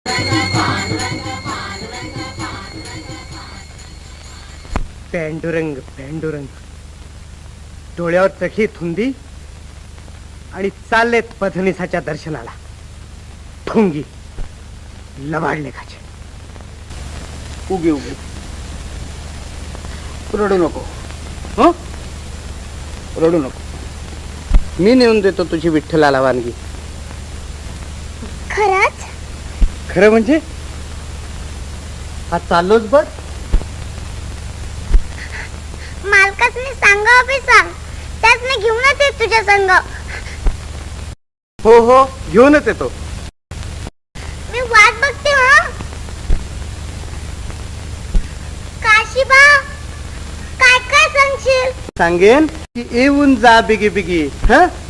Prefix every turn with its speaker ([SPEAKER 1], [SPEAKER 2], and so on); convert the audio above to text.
[SPEAKER 1] पांडुरंग पांडुरंग, डोळ्यावर चखी थुंदी आणि चाललेत पधनिसाच्या दर्शनाला. ठुंगी लबाड लेखाचे.
[SPEAKER 2] उगी उगी रडू नको. हो रडू नको. मी नेऊन देतो तुझी विठ्ठलाला वानगी.
[SPEAKER 3] खरंच?
[SPEAKER 1] खरं म्हणजे हा चाललोच बघ.
[SPEAKER 3] मालकासनी सांगा बी सांग, त्यासने घेऊनच येत तुझ्या संग.
[SPEAKER 1] हो हो घेऊनच येतो.
[SPEAKER 3] मी वाट बघते. हा काशीबा, काय काय सांगशील?
[SPEAKER 1] सांगेन की येऊन जा बिगी बिगी. हा